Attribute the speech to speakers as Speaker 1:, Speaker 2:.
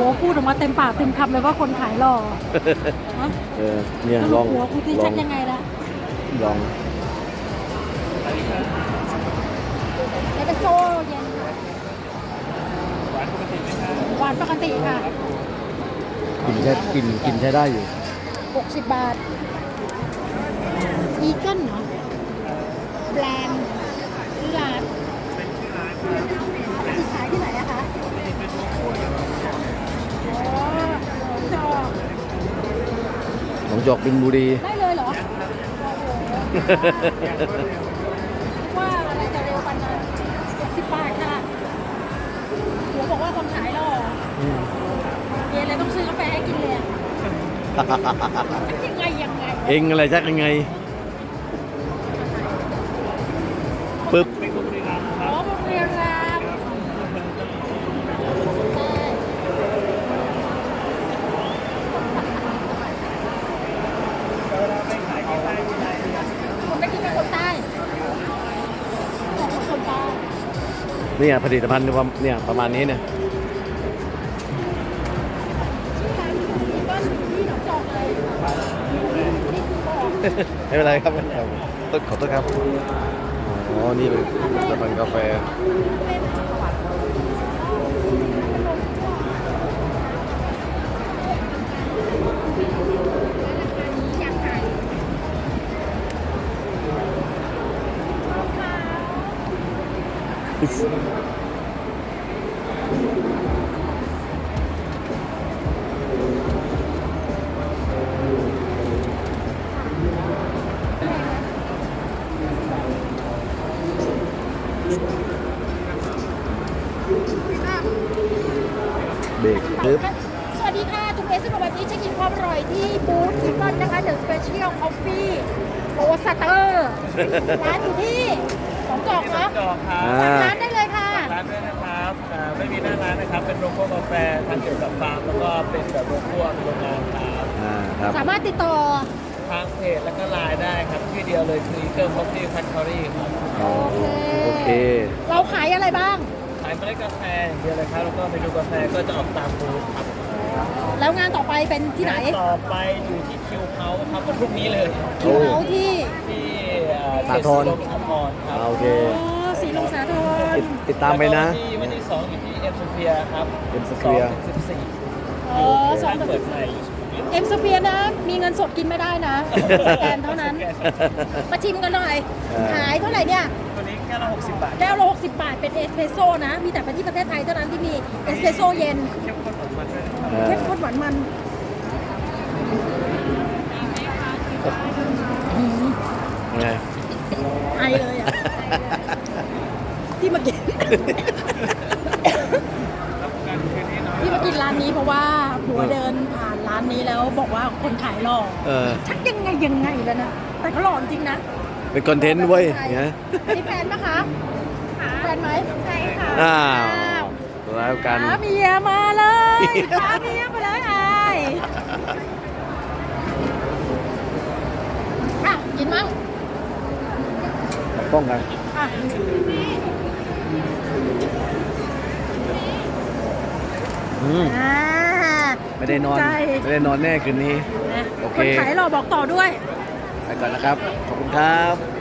Speaker 1: หัวพูดออกมาเต็มปากเต็มคำเลยว่าคนขายหล่อฮะ
Speaker 2: เนี่ยลอง
Speaker 1: หัวกูที่ชัดยังไงล่ะ
Speaker 2: ลอง
Speaker 1: เอสเปรสโซ่เย็นหวานปกติค่ะ
Speaker 2: กินใช้ได้อยู่
Speaker 1: 60 บาทอีเกิลเนาะแบรนด์ชื่อร้านที่ขายที่ไหนอะคะ
Speaker 2: หนองจอกบินบุรี
Speaker 1: ได้เลยเหรอ ว่าอะไรจะเร็วปันนะ60 บาทค่ะหัวบอกว่าคนขายหรอเย็นเลยต้องซื้อกาแฟให้กินเลยยังไง
Speaker 2: เองอะไรชักยังไงปึ๊บ
Speaker 1: อ๋อโรงเรียนรามคนไม่คิดเป็นคนใต้คนใต้
Speaker 2: เนี่ยผลิตภัณฑ์เนี่ยประมาณนี้เนี่ย ไม่เป็นไรครับต้นขอโทษครับอ๋อนี่เป็นผลิตภัณฑ์กาแฟเบรกปึ๊บ
Speaker 1: สวัสดีค่ะทุกเอสวันนี้เช็คอินความอร่อยที่บูธทิฟฟอนนะคะเดอะสเปเชียลคอฟฟี่โรสเตอร์ร้านอยู่ที่ของจอกเนาะ
Speaker 3: จอกครั
Speaker 1: ฝาก
Speaker 3: บ
Speaker 1: ร้านได้เลยค่ะ
Speaker 3: ร้านด้วยนะครับไม่มีหน้าร้านนะครับ เป็นโรงคั่วกาแฟทำเกี่ยวกับฟาร์มแล้วก็เป็นแบบโรงคั่วโรงงานครับ
Speaker 2: ครับ
Speaker 1: สามารถติดต่อ
Speaker 3: ทางเพจแล้วก็ไลน์ได้ครับชื่อเดียวเลยคือ Eagle Coffee Factory ครับ
Speaker 2: โอเค
Speaker 1: เราขายอะไรบ้าง
Speaker 3: ขายเมล็ดกาแฟอย่างเดียวเลยครับ แล้วก็เมนูกาแฟก็จะออกตามบูธครับ
Speaker 1: แล้วงานต่อไปเป็นที่ไหน
Speaker 3: ต่อไปอยู่ที่คิวเขาครับวันพรุ่งนี้เลย
Speaker 1: คิวเขาที่
Speaker 3: ที่เข
Speaker 2: สา
Speaker 3: ต
Speaker 2: ธร
Speaker 3: สีลมสาธรครับ
Speaker 2: โอเค
Speaker 1: สีลมสาธร
Speaker 2: ติดตามไปนะ
Speaker 3: แล้วก็ที่วันที่2อยู่ที่เอ็มสเฟียครับ
Speaker 2: M Sphere
Speaker 3: 2-14
Speaker 1: อ๋อสอง
Speaker 3: ร้านเปิดใหม่อยู่สุขุมวิท
Speaker 1: เอ็มสเฟียนะ มีเงินสดกินไม่ได้นะสแกนเท่านั้น มาชิมกันหน่อย ขายเท่าไหร่เนี่ย
Speaker 3: ตัวนี้แค่ละ60 บาท
Speaker 1: แก้วละ60 บาท เป็นเอสเปรสโซ่นะ มีแต่ที่ประเทศไทยเท่านั้นที่มีเอสเปรสโซ่เย็น
Speaker 3: เข้มข้นของมันด้วยนะครับ
Speaker 1: เข้มข้นหวานมัน
Speaker 2: ไง
Speaker 1: ไอเลยอ่ะ ที่มากิน ที่มากินร้านนี้เพราะว่าผัวเดินผ่านร้านนี้แล้วบอกว่าคนขายหล่อ ชักยังไงแล้วนะ แต่เขาหล่อจริงนะ
Speaker 2: เป็นคอนเทนต์เว้ยเนี่ย
Speaker 1: มีแฟนปะคะแฟนไหมใช่ค่ะ
Speaker 2: อ้าวแล้วกัน
Speaker 1: พาเมียมาเลยพาเมียมาเลยอ่ะกินมั้ง
Speaker 2: ป้องกัน
Speaker 1: อ่ะ อ่า
Speaker 2: ไม่ได้นอน
Speaker 1: ถูกใจ
Speaker 2: ไม่ได้นอนแน่คืนนี้
Speaker 1: นะ
Speaker 2: โอเค
Speaker 1: คนขายหล่อบอกต่อด้วย
Speaker 2: ไปก่อนนะครับ ขอบคุณครับ